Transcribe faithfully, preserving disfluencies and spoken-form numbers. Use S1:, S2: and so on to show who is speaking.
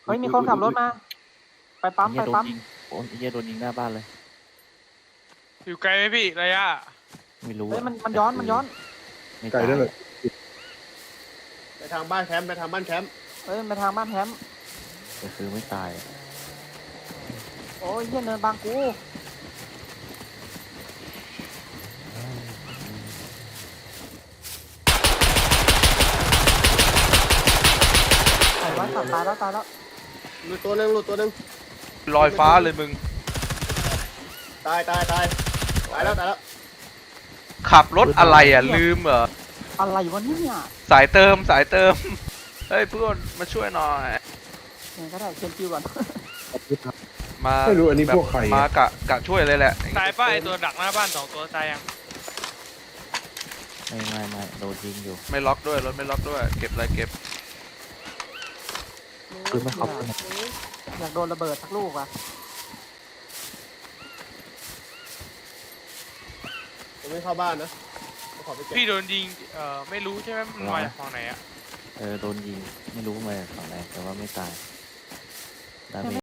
S1: ฮ้ยมีคนขับรถมาไปปั๊ม
S2: ไอ้
S1: ไป
S2: เหี้ยโดน
S1: ปั๊ม
S2: ยิงโอ้ยไอ้เหี้ยโดนยิงหน้าบ้านเลย
S3: อยู่ไกลไหมพี่ระยะ
S2: ไม่รู้
S1: เฮ้ย
S2: อะ
S1: มันมันย้อนมันย้อน
S2: ไม่
S4: ไกลได้เลย
S5: ไปทางบ้านแคมป์ไปทางบ้านแคมป์
S1: เฮ้ยไปทางบ้านแฮมป์
S2: แต่คือไม่ตายอะ
S1: โอ้ยเหี้ยเนินบางกูไอ้ร้อยตัดตายแล้วตายแล้ว
S5: หลุดตัวหนึงหลุดตัวหนึง
S3: ลอยฟ้าเลยมึง
S5: ตายตายตายตายแล้วตายแล้ว
S3: ขับรถอะไรอ่ะลืมเหรอ
S1: อะไรวะเนี่ย
S3: สายเติมสายเติมเฮ้ยเพื่อนมาช่วยหน่อย
S1: เนี่ยก็ได้เชนจิวก่อน
S3: มา
S4: ไม่รู้อันนี้
S3: แบบ
S4: พวกใครอะ
S3: มากะกะช่วยเลยแหละ
S6: ตายป้าไอตัวดักหน้าบ้านสองตัวตายยัง
S2: ไม่ไม่ไม่โดนยิงอยู่
S3: ไม่ล็อกด้วยรถไม่ล็อกด้วยเก็บอะไรเก็บ
S2: คือไม่เขาเป็น
S1: อยากโดนระเบิดสักลูกอ่ะ
S5: ผมไม่เข้าบ้านนะผมขอไปเก็บ
S6: พี่โดนยิงเอ่อไม่รู้ใช่ไหมมันมาจากฝั่งไหนอะ
S2: เออโดนยิงไม่รู้มาจากฝั่งไหนแต่ว่าไม่ตายดาเมจ